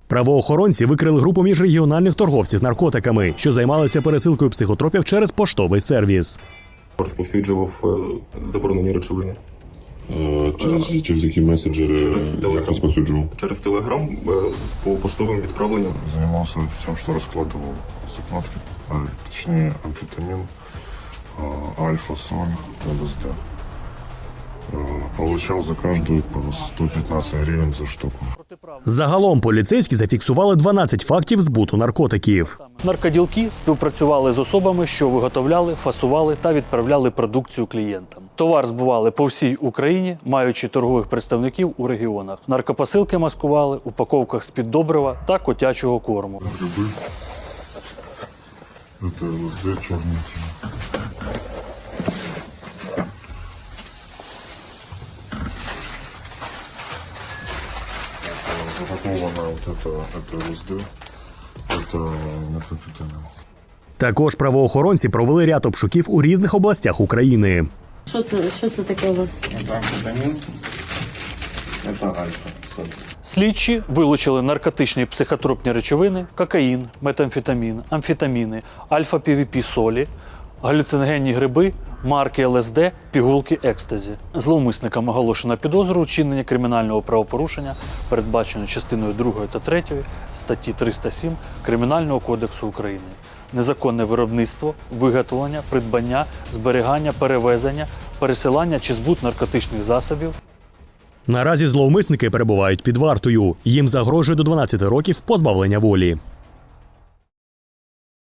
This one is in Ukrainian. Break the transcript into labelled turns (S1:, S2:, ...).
S1: Правоохоронці викрили групу міжрегіональних торговців з наркотиками, що займалися пересилкою психотропів через поштовий сервіс.
S2: Розповсюджував заборонені речовини.
S3: Через які меседжери розповсюджував?
S2: Через Телеграм по поштовим відправленням.
S4: Занимался тем, что раскладывал закладки, точнее амфетамин, альфа-соль, ЛСД. Получал за каждую по 115 гривен за штуку.
S1: Загалом поліцейські зафіксували 12 фактів збуту наркотиків.
S5: Наркоділки співпрацювали з особами, що виготовляли, фасували та відправляли продукцію клієнтам. Товар збували по всій Україні, маючи торгових представників у регіонах. Наркопосилки маскували у упаковках з-під добрива та котячого корму.
S4: Грибы. Это ЛСД черненький. Запаковано это ЛСД, это метамфетамин.
S1: Також правоохоронці провели ряд обшуків у різних областях України.
S6: Що це таке у вас?
S4: Это амфетамин, это альфа-соль.
S5: Слідчі вилучили наркотичні психотропні речовини, кокаїн, метамфетамін, амфетаміни, альфа-півіпі-солі, галюциногенні гриби, марки ЛСД, пігулки екстазі. Зловмисникам оголошено підозру у вчиненні кримінального правопорушення, передбачено частиною 2 та 3 статті 307 Кримінального кодексу України. Незаконне виробництво, виготовлення, придбання, зберігання, перевезення, пересилання чи збут наркотичних засобів.
S1: Наразі зловмисники перебувають під вартою. Їм загрожує до 12 років позбавлення волі.